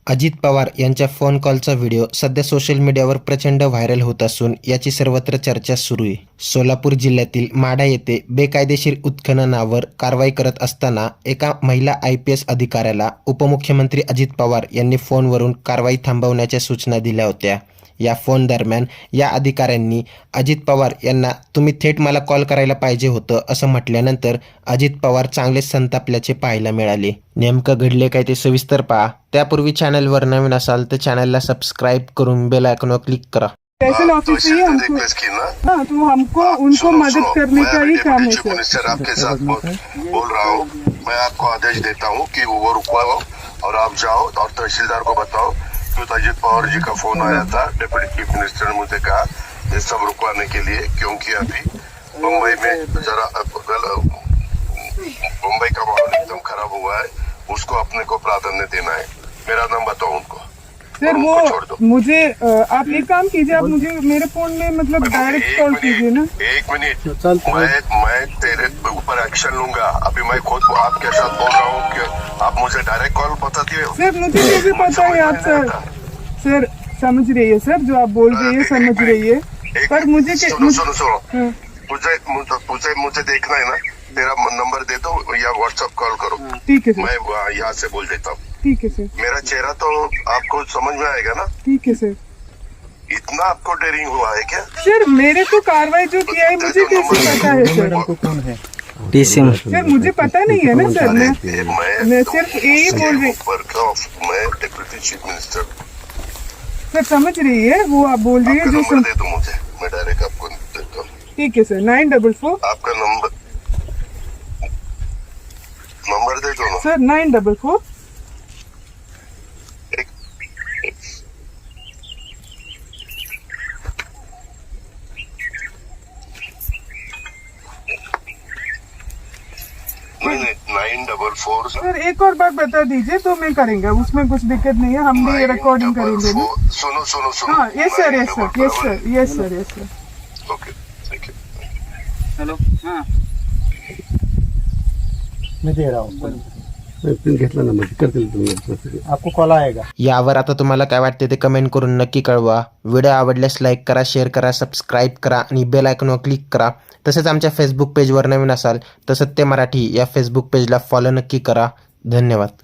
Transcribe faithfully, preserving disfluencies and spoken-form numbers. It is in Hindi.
अजित पवार यांच्या फोन कॉलचा व्हिडिओ सध्या सोशल मीडियावर प्रचंड व्हायरल होत असून याची सर्वत्र चर्चा सुरू आहे. सोलापूर जिल्ह्यातील माढा येथे बेकायदेशीर उत्खननावर कारवाई करत असताना एका महिला आय पी एस अधिकाऱ्याला उपमुख्यमंत्री अजित पवार यांनी फोनवरून कारवाई थांबवण्याच्या सूचना दिल्या होत्या. या फोन दरम्यान या अधिकाऱ्यांनी अजित पवार यांना तुम्ही थेट मला कॉल करायला पाहिजे होतं असं म्हटल्यानंतर अजित पवार चांगले संतापल्याचे पाहायला मिळाले. नेमकं घडले काय ते सविस्तर पहा. त्यापूर्वी चॅनलवर नवीन असाल तर चॅनलला सबस्क्राइब करून बेल आयकॉनवर क्लिक करा. तहसील ऑफिस से ही हमको हाँ तो हमको उनको मदद करने का ही काम है सर. मिनिस्टर आपके साथ बोल रहा हूँ. मैं आपको आदेश देता हूँ कि वो रुकवाओ और आप जाओ और तहसीलदार को बताओ कि अजित पवार जी का फोन आया था. डिप्टी चीफ मिनिस्टर ने मुझे कहा ये सब रुकवाने के लिए, क्योंकि अभी मुंबई में जरा मुंबई का माहौल एकदम खराब हुआ है, उसको अपने को प्राधान्य देना है. मेरा नाम बताओ उनको सर. वो मुझे आप एक काम कीजिए, आप मुझे मेरे फोन में मतलब डायरेक्ट कॉल कीजिए ना. एक मिनट, मैं मैं तेरे ऊपर एक्शन लूंगा. अभी मैं खुद आपके साथ बोल रहा हूँ कि आप मुझे डायरेक्ट कॉल बताती है. सर मुझे ये भी पता है आप सर सर समझ रही है सर, जो आप बोल रही है समझ रही है, पर मुझे सुनो सुनो सुनो तुझे तुझे मुझे देखना है ना, तेरा नंबर दे दो या व्हाट्सएप कॉल करो. ठीक है सर, मैं यहाँ से बोल देता हूँ. ठीक है सर. मेरा चेहरा तो आपको समझ में आएगा ना. ठीक है सर. इतना आपको डेयरिंग हुआ है क्या सर? मेरे तो कार्रवाई जो किया है मुझे कैसे पता है सर? कौन है सर मुझे पता नहीं है ना सर. मैं मैं सिर्फ यही बोल रही. मैं डिप्टी चीफ मिनिस्टर. सर समझ रही है वो आप बोल रही है जो नंबर दे दो मुझे, मैं डायरेक्ट आपको देता हूँ. ठीक है सर. नाइन डबल फोर आपका नंबर नंबर दे दो ना sir. Nine double four nine double four. Sir एक और बात बता दीजिए तो मैं करेंगे, उसमें कुछ दिक्कत नहीं है, हम भी रिकॉर्डिंग करेंगे ना. सुनो सुनो सुनो. हाँ yes sir yes sir yes sir yes sir yes sir. Okay thank you. Hello. हाँ मैं दे रहा हूँ. घेतला नंबर करतील तुम्ही, आपको कॉल आएगा. यावर आता तुम्हाला काय वाटते ते कमेंट करून नक्की कळवा. व्हिडिओ आवडल्यास लाईक करा, शेअर करा, सबस्क्राईब करा आणि बेल आयकॉनवर क्लिक करा. तसेच आमच्या फेसबुक पेजवर नवीन असाल तर सत्य मराठी या फेसबुक पेजला फॉलो नक्की करा. धन्यवाद.